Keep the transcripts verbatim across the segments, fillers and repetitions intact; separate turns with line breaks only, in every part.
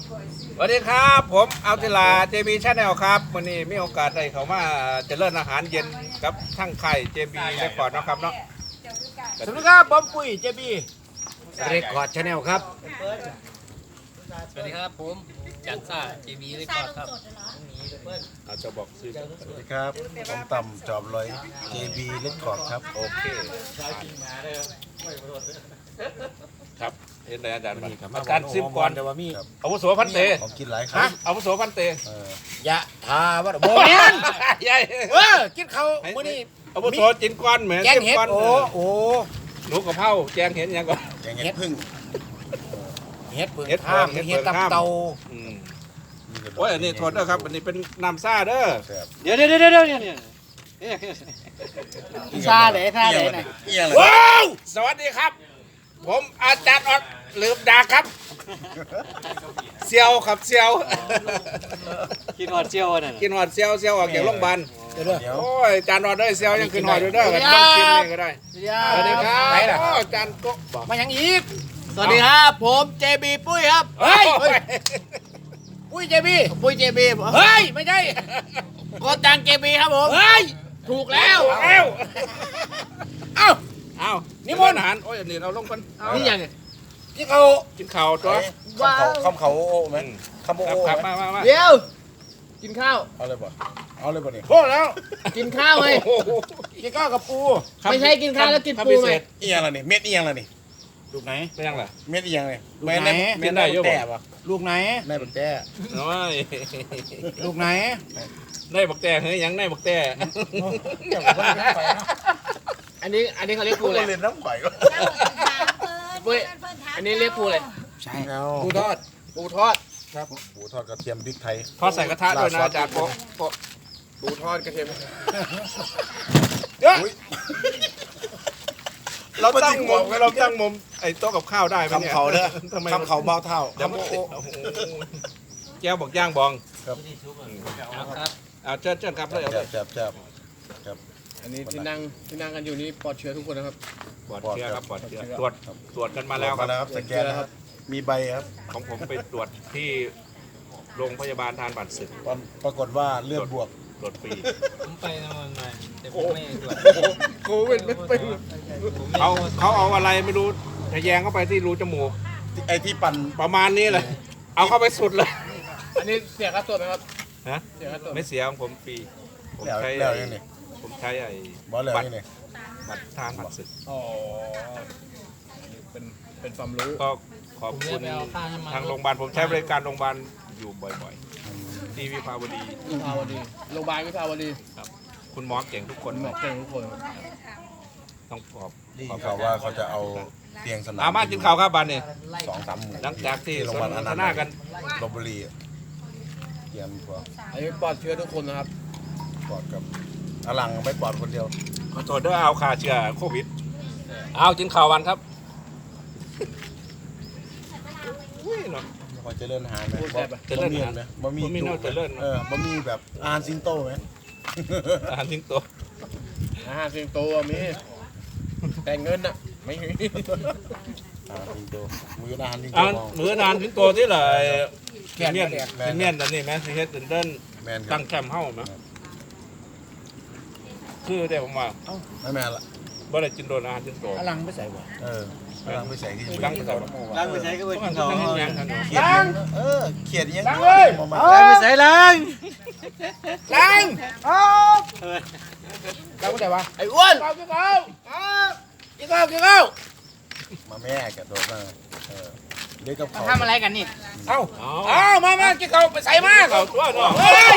สวัสดีครับผมอัลติลา เจ บี Channel ครับวันนี้มีโอกาสได้เข้ามาเจริญอาหารเย็นกับทั้งไข่ เจ บี เรคคอร์ดเนาะครับเนาะ
สวัสดีครับผมปุ้ยเจบี
เรคคอร์ดชาแนลครับ
สวัสดีครับผมจันซ่าเจบีเรคคอร์ดครับ
อาจจะบอกซื้อ
สวัสดีครับผมต่ำจอบลอย เจ บี เล็กขอบครับ
โอเคครับเห็นไหมอาจารย์ครับอาจารย์ซิมก่อน
แต่ว่ามี
อาวุโสพันเต
ผมกินหลายค
ฮะ
รั้ง
อาวุโสพันเต
เออ
ยะทาวัดโบแมน
ใหญ่
เออกินเขามื้อนี้
อาวุโสจินก้อนเหมือน
แกงเห็ด
ก้อน
โอ้โอ้
หนูกระเพราแจงเห็นยังก่อน
แกงเห็ดพึ่ง
เห็ดเปิง
เห็ดเปิง
ข้าม
เห็ดเปิง
เห็ดตับ
ข้าม
เตา
อืม
มีกระดก
โอ้ยอันนี้โทษนะครับอันนี้เป็นน้ำซ่าเด้อ
แซ่บ
เดี๋ยวเดี๋ยวเดี๋ยวเดี๋ยวเนี่ยซาไหนซาไหนไหน
เอียงเลย
ว้าวสวัสดีครับ ผมอาจารย์ออดลืมดาครับเซียวครับเซียว
กินหอดเจียวน่ะ
กินหอดเซียวเซียวออกจากโรงพยาบาล
เดี๋ยว
โอ้ยอาจารย์ออดได้เซียวยังขึ้นหอดอยู่เด้อกันต้องกินนี่ก็ได้สวัสดีครับ
ไหนล่ะ
โอ้อาจารย์ก็บอก
มายังอีก
สวัสดีครับผมเจบีปุ้ยครับ
เฮ้ย
โอ้ย
ปุ้ยเจบี
ปุ้ยเจบี
เฮ้ยไม่ใช่
กดจังเจบีครับผม
เฮ้ยถูกแล้ว
เอ้า
เอ้า
เอ้า
นิ
นิ
ม
ม
น
น
ต์
ต์อาหารโอ้ยอันนี้เราลงกันเอา
นี่ยังไง
ที่เขา
กินข้าวตัว
คำเขาคำเขาโอ้ไหมคำโอ้
ครับ
โอ้
ครับ
ไหม
มามามา
เดี๋ยวกินข้าว
เอาเลยบ่เอาเลยบ่เนี่ย
โคตรแล้ว
กินข้าวไหม
โอ้โห
กินข้าวกับปู
ไม่ใช่กินข้าวแล้วกินปูไหม
เอียงละนี่เม็ดเอียงละนี่
ลูกไหน
เป็นยังไง
เม็ดเอียงเลย
ลูกไหน
เม็ดได้แต่ปะ
ลูกไหน
ได้แบบแต่
น้อย
ลูกไหน
ได้บักแต่เฮ้ยยังได้บักแต่
อันนี้อันนี้เขาเรียกปู
กู
อะไร
เล่นน้ำไหววะ
เว้ยอันนี้เรียกปูอะไร
ใช่
เอา
ปูทอด
ปูทอด
ครับหมูทอดกระเทียมพริกไทย
ทอดใส่กระทะด้วยนะอาจารย์โป๊ะโป๊ะ
ปูทอดกระเทียม
อุ๊ย
เราตั้งมุมเราตั้งมุมไอ้โต๊ะกับข้าวได้ไหมเนี่ย
คำเขาเด้อ
ทำไม
คำเขาเบาเท่า
เดี๋ยว
คำ
มัน
โอ้
ติด
โอ้
โอ้โหแก้วบอกย่างบอง
ครับ
เอาเชิญเชิญครับเลยเอา
แซ่
เล
บ
ย
แซ่บแซ่บครับ
อันนี้ที่นั่งที่นั่งกันอยู่นี่ปลอดเชื้อทุกคนนะครับ
ปลอดเชื้อครับปลอดเชื้อตรวจตรวจกันมาแล้วครับ
มาแล้วครับสแกนนะครับมีใบครับ
ของผมไปตรวจที่โรงพยาบาลทานบัตรศึก
ปรากฏว่าเลือดบวก
ตรวจฟรี
ผมไปนอนมาแต่ผมไม่ตรวจ
โควิดไม่เป็นเขาเขาเอาอะไรไม่รู้ทะแยงเข้าไปที่รูจมูก
ไอ้ที่ปั่น
ประมาณนี้เลย เอาเข้าไปสุดเลย
อันนี้เสียค่าตรวจไหมครับ
ฮะ
เสียค่าตรวจ
ไม่เสียของผมฟรีผม
แล้ว
ใช้
แล้ว
ไอ้
ยังนี่
ผมใช้ไอ้
บอสแล้ว
บัตร
ยังนี่
บัตรทางบัตรศึก
อ๋อเป็นเป็นความรู้
ก็ขอบคุณทางโรงพยาบาลผมใช้บริการโรงพยาบาลอยู่บ่อยๆที่วิภาวดี
วิภาวดีโรงพยาบาลวิภาวดี
ครับคุณหมอเก่งทุกคน
หมอเก่งทุกคนครับ
ต้องขอบ
นี่เขาว่าเขาจะเอาเตียงสนาม
อามากินข้าวครับบ้านนี่
สองสามหมื่น
หลังจากที่
โร
ส
งพยาบาล
น
อ
ท
นันต์
นากัน
ลพบุรีอะเตรียมตัว
อันนี้ปลอดเชื้อทุกคนนะครับ
ปลอดกับอลังไม่ปลอดคนเดียว
ขอโทษด้วยเอาขาเชื้อโควิดเอากินข้าววันครับอุ้ยเนาะ
พอเจริญอาหารไหม
เจริญอาหาร
ไหมบะหมี่
บะหมี่
จุ
เน่าเจริญ
เออบะหมี่แบบอาหารซิงโต้ไหม
อาหารทิ้งโต
อาหารเพียงตัวมีแต่เงินอ่ะไม่มี
อาหารซิงโต้มืออาหารซิง
อ่า
โต้มอง
เหมือนอาหารทิ้งโตที่ไหน
แกน
เมียน
แกน
เมียนอันนี้แม่สิเฮ็ดเดิน
แมนครั
ตั้
บ
งแคมป์เฮ้าไหมคือได้ผมว่า
ไม่แมนละ
บ่ได้กินโดนอาหารทิ้งโต
อลังไม่ใส่บ่
เอออลังไม่ใส่ที่
ตั้งไปใส่
ล้างไปใช้ก็ไป
ต้อง
กินเขา
ทำยังทัน
เขียดยังเออเขียดยัง
ตั้งเลย
มามา
ล้างไปใช้ล้าง
ลังเอาลังไม่ใส่บ่
ไอ้อ้วน
กินข้าวกินข้าวกินข้าวกินข้าว
มาแม่แกโดดมาเออเด็กกับเขา
ทำอะไรกันนี่
เอ้า
เอา
เอามามากินข้าวไปใส่มา
เอาตัวเนาะ
เฮ้ย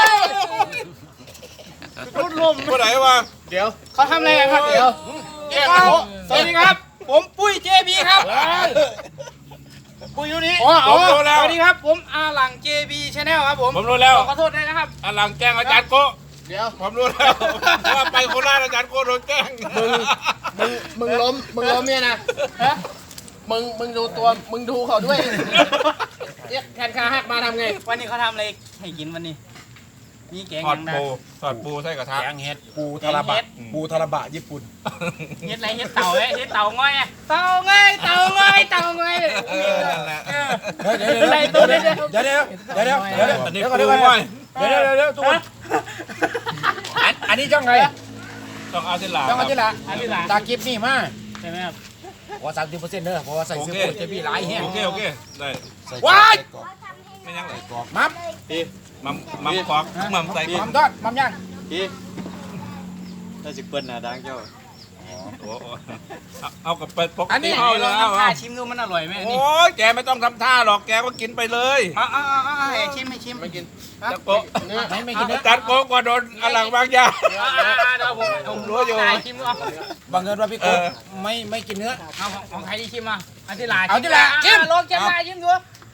รุ่นลม
ผู้ใดวะ
เดี๋ยวเขาทำอะไรกันครับเดี๋ยว
กินข้าว
สวัสดีครับ ผมปุ้ยเจบีครับปุ้ยอยู่นี่
อ๋อ
ผมรู้แล้ว
สวัสดีครับผมอาหลัง เจ บี Channel ครับผม
ผมรู้แล้ว
ขอโทษด้วยนะครับ
อันหลังแกล้งอาจารย์โกะ
เดี๋ยว
ผมรู้แล้วว่าไปโคราชอาจารย์โกะโดนแกล้ง
มึง มึงมึงล้มมึงล้มเนี่ยนะฮะมึงมึงดูตัวมึงดูเขาด้วยเรียกแขนขาหักมาทำไง
วันนี้เขาทำอะไรให้กินวันนี้
ว
มีแกง
ทอด
ยังได้
ปูทอดปูใส่กระทะ
แกงเห็ด
ปูทาราบะปูทาราบะญี่ปุ่น
เฮ็ดอะไรเฮ็ดเต่าเอ้ยเฮ็ดเต่าง่อยอะเต่าง่อยเต่าง่อยเต่าง่อย
เออนั่นแหละ
เดี๋ยวเดี๋ยว
อะไรตัวเดียว
เดี๋ยวเดี๋ยวเดี๋ยวเดี๋ยวเดี๋ยวเดี๋ยว
อันนี้
เดี๋ยวก่อน
ปู
เดี๋ยวก่อน
ง่อย
เดี๋ยวเดี๋ยวเดี๋ยวทุกคนอันอันนี้ช่องไง
ต้องเอาเส้นหลา
ช่องอันนี้ละ
อันนี้ล่ะ
ตาคลิปนี่มา
ใช่ไหมครับ
ขอสามสิบเปอร์เซ็นต์เด้อเพราะว่าใส่เสื้อปุ๋ยเจบีหลายแห้ง
โอเคโอเคได้
ใส่
ว้าย
กรอก
ไม่ยังเลย
มัม
มัมมัมกอกมัมใส่กรอ
มั
ก
มทอดมัมย่าง
พี่ถ้าสิเปิ้ลนะดังเจ้า
โอ้โหเอาเอากับไปปก
อันนี้
ติเอาเลย
ล
เอา
อง
เอา
ชิมดูมันอร่อยไหมอันนี้
โอ้ยแกไม่ต้องทำท่าหรอกแกก็กินไปเลย
อ๋ออ๋ออ๋อให้ชิมให้ชิม
ไม่กิน
ตะโกะ
ไม่ไม่กินเนื้อ
ตัดโกะก็โดนอลังบางอย่าง
อ่าอ่าเดี๋ยวผมผมรู้อยู่ชิมดูเอา
บังเอิญว่าพี่โก้
เออ
ไม่ไม่กินเนื้อ
เอาของของใครที่ชิมอ่ะอันที่หลา
เอาที่หลาชิม
ลองชิมมาชิมดู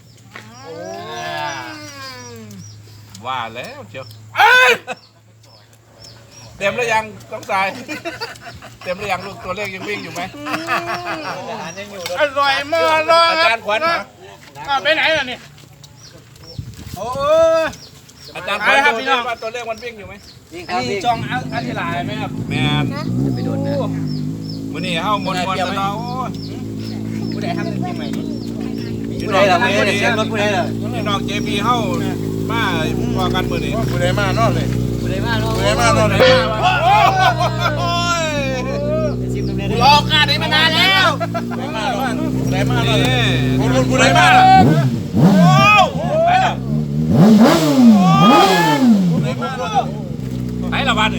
ว่าแล้วเชียวเต็มหรือยังต้องสายเต็มหรือยังลูกตัวเลขยังวิ่งอยู่ไหม
อร่อยมากอร่อย
อาจารย์ขวัญเหรอ
ไปไหนล่ะนี่โอ้ย
อาจารย์ขวัญ
ไปครับ
ดู
พี่น้อง
ว่าตัวเลขมันวิ่งอยู่ไหม
อันนี้จองเอาอันที่หลาไหมครับ
แมนมื้อนี้เฮามวนมวนกันเนาะโอ้ย
ผู้ใดทำเป็นใหม่นี่
พี่
ผู้
น้
ใด
อง
ล่ะ
มื้อ
ผู้ใด
นี้
เสียงรถผู้ใดล่ะ
พี่น้อง เจ พี เฮามาพอกันมื้อนี้
ปูได้มากนอนเลย
ผู้ใดมาเนาะ
ปูได้มากนอนเลย
โอ้ย
ชิมตรงนี้
รอการนี้มานานแล้ว
ปูได้มากนอนปูได้มากนอน
นี่
ปูรุนปูได้มาก
โอ้ไปแล้ว
ปูได้มากนอน
ไปละวันนี่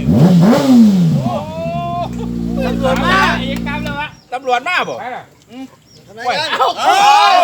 ตำรวจมาไอ้ยังกำเลยวะ
ตำรวจมาบ่
ไป
เอ้า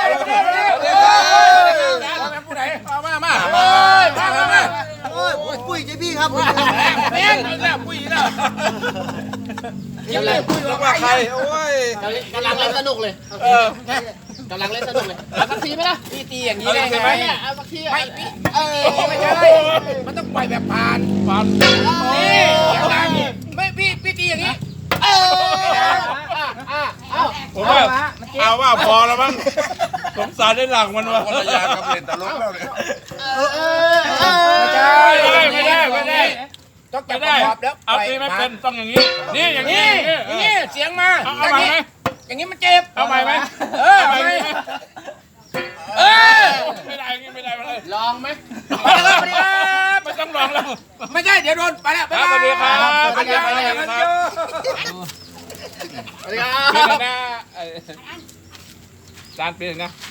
ผู้ใด
มามามา
เอ้ยมามามา
โอ้ยปุ้ยเจบี้ครับ
แม่งอีกแล้วปุ้ยอีกแล้วกินเลยปุ้ย
เรียกว่าใครโอ้ย
กำลังเล่นสนุกเลย
เออก
ำลังเล่นสนุกเลยเอาสักทีไหมล่ะ
ตีตีอย่างนี้ได้ใช่ไหม
เอาสักที
ไม่ตีเออไม่ใช่มันต้องปล่อยแบบผ่าน
ฟัน
นี่อย่างนั้นไม่พี่พี่ตีอย่างนี้
เอออ่ะอ่ะเอา
ผมว่าเอาว่าพอแล้วมั้งสงสารได้หลังมันวะ
คนละยากับเล่นตลกแล้วเลย
ไม่ใช่
ไม่ได้ไม่ได้
ต้องจั
ไม่
บ
ได้
ขอบแล้ว
เอาตีไม่เป็นต้องอย่างนี้นี่อย่างนี้
นี่อย่างนี้เสียงมา
เอาเอาใหม่ไหม
อย่างนี้มันเจ็บ
เอาใหม่ไหม
เออ
เอา
เอา
ให
ให
ม่
ม่
ไหม
เออ
ไม่ได้อย่างนี้ไม่ได้มาเลย
ลองไหม
ไม่ต้องลองแล้ว
ไม่ใช่เดี๋ยวโดนไปแล้ว
ครับสวัสดีครับ
สวัสดีครับ
สวัสดีครับ
สวัสดีครับ
เป็นไงนะไอ้จานเป็นไงนะ